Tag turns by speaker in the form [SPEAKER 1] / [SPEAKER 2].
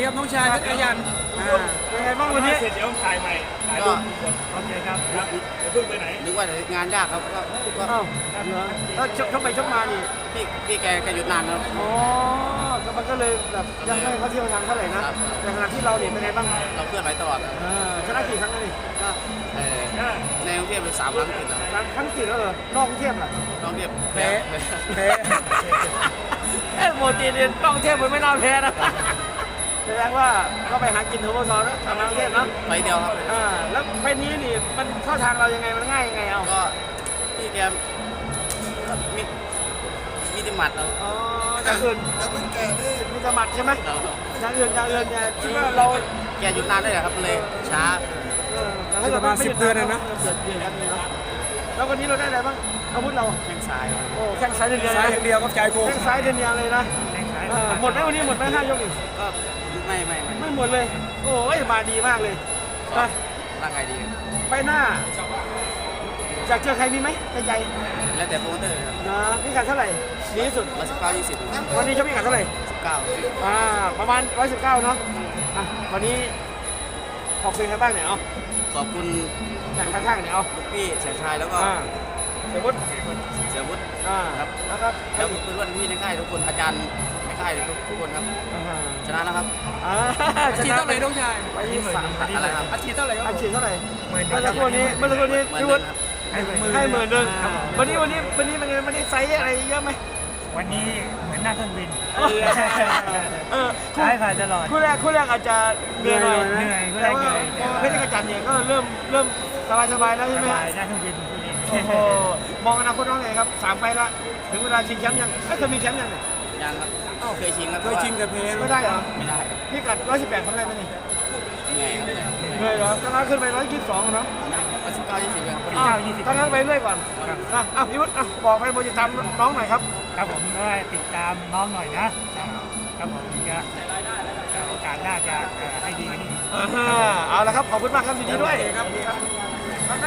[SPEAKER 1] ดีครับน้องชายเพชรกยัน
[SPEAKER 2] เป็นไงบ้างวันนี้
[SPEAKER 3] เสร็จเดี๋ยวถ่ายใหม่ถ่ายรูปโอเคครับครับจะเพิ่งไปไหน
[SPEAKER 4] นึกว่างานยากครับก็
[SPEAKER 2] อ้าวเหรอแล้วชกไปชกมานี่
[SPEAKER 4] พี่แกหยุดนานแล้ว
[SPEAKER 2] อ๋อมันก็เลยแบบยังไม่เขาเที่ยวทางเท่าไหร่นะแต่ขณะที่เราเนี่ยเป็นไงบ้าง
[SPEAKER 4] เราเพื่อนไว้ตลอด
[SPEAKER 2] ชนะกี่ครั้งแล้วนี่
[SPEAKER 4] ก็ในกรุงเทพเป็น3 ครั้งติดแล้ว
[SPEAKER 2] ครั้งกี่แล้วเหรอนอกกรุงเทพล่ะ
[SPEAKER 4] น้องเทพ
[SPEAKER 2] แพ้โมตีเนี่ยนอกกรุงเทพมันไม่น่าแพ้นะแสดงว่าก็ไปหากินทูบอลซอลแล้วทำกรุงเทพเนาะ
[SPEAKER 4] ไปเดียวครับ
[SPEAKER 2] แล้วไปนี้นี่มันเข้าทางเรายังไงมันง่ายยังไงเอา
[SPEAKER 4] ก็พี่แกมีติมัดเรา
[SPEAKER 2] อ๋ออย่างอื่นมีติมัดใช่ไหมอย่างอื่นเนี่ยคิดว่าเรา
[SPEAKER 4] แกหยุดนานได้เหรอครับเลยช้า
[SPEAKER 1] ประมาณ10 เดือนนะ
[SPEAKER 2] แล้ววันนี้เราได้อะไรบ้างอาวุธเรา
[SPEAKER 4] แข้งซ้าย
[SPEAKER 2] โอ้แข้งซ้ายเดียว
[SPEAKER 1] ซ้ายอย่างเดียวก็ใจโกง
[SPEAKER 2] แข้งซ้ายเดียวเลยนะหมดไหมวันนี้หมดไหม5 ยกอีก
[SPEAKER 4] ก็ไม่
[SPEAKER 2] หมดเลยโอ้ยมาดีมากเลย
[SPEAKER 4] ร่างกายดี
[SPEAKER 2] ไปหน้าอยากเจอใครมีไหมในใจ
[SPEAKER 4] แล้วแต่โปรโมเตอร์ครับ
[SPEAKER 2] นะพิกัดเท่าไหร่ดีที่สุด
[SPEAKER 4] 119 20
[SPEAKER 2] วันนี้ชกพิกัดเท่าไหร่
[SPEAKER 4] 19
[SPEAKER 2] ประมาณ119เนาะวันนี้ขอบคุณใครบ้างเนี่ยเอา
[SPEAKER 4] ขอบคุณ
[SPEAKER 2] ข้างๆเนี่ยเอา
[SPEAKER 4] ลูกพี่แสนชายแล้วก็
[SPEAKER 2] เสียวุฒิ
[SPEAKER 4] ครับ
[SPEAKER 2] แล้วก็
[SPEAKER 4] แล้วเพื่อนพี่ในค่ายทุกคนอาจารย์ในค่ายทุกคนครับชนะแล้วครับ
[SPEAKER 1] อาชีพเท่าไหร่น้องชาย
[SPEAKER 2] ไป3
[SPEAKER 4] อะไรครับ
[SPEAKER 1] อาชีพเท่าไหร่ครับ
[SPEAKER 2] อาชีพเท่าไหร่เมื่อสักครู่นี้พี่วุฒิให้10,000 นึงวันนี้มันได้ไซส์อะไรเยอะไหม
[SPEAKER 3] วันนี้เหมือนนั่งเครื่องบิน
[SPEAKER 2] ใช่ผ่านตลอดคู่แรกอาจจะเหนื่อยหน่อยแต่ว่าเพชรกระจันเนี่ยก็เริ่มสบายแล้วใช่ไหม
[SPEAKER 3] นั่งเครื่องบิน
[SPEAKER 2] โอ้โหมองอนาคตน้องไงครับ3 ไฟละถึงเวลาชิงแชมป์ยังไม่เคยมีแชมป์ยังเนี่ย
[SPEAKER 4] ยังครับเคยชิงครับ
[SPEAKER 1] เคยชิงกับเพ
[SPEAKER 2] ไม่ได้เหรอ
[SPEAKER 4] ไม่ได้
[SPEAKER 2] พี่กัด118ทำได้ไหมนี่
[SPEAKER 4] เหนื่อย
[SPEAKER 2] เหรอตอนนั้นขึ้นไป122เนาะ
[SPEAKER 4] 19 20ครับ
[SPEAKER 2] ตอนนั้นไปเรื่อยก่อนพี่วุฒิบอกให้โมจิตามน้องหน่อยครับ
[SPEAKER 3] ครับผมก็ติดตามน้องหน่อยนะครับผมจะโอกาสน่าจะให้ดีกว่านี้
[SPEAKER 2] เอาละครับขอบคุณมากครับยินดีด้วยครับ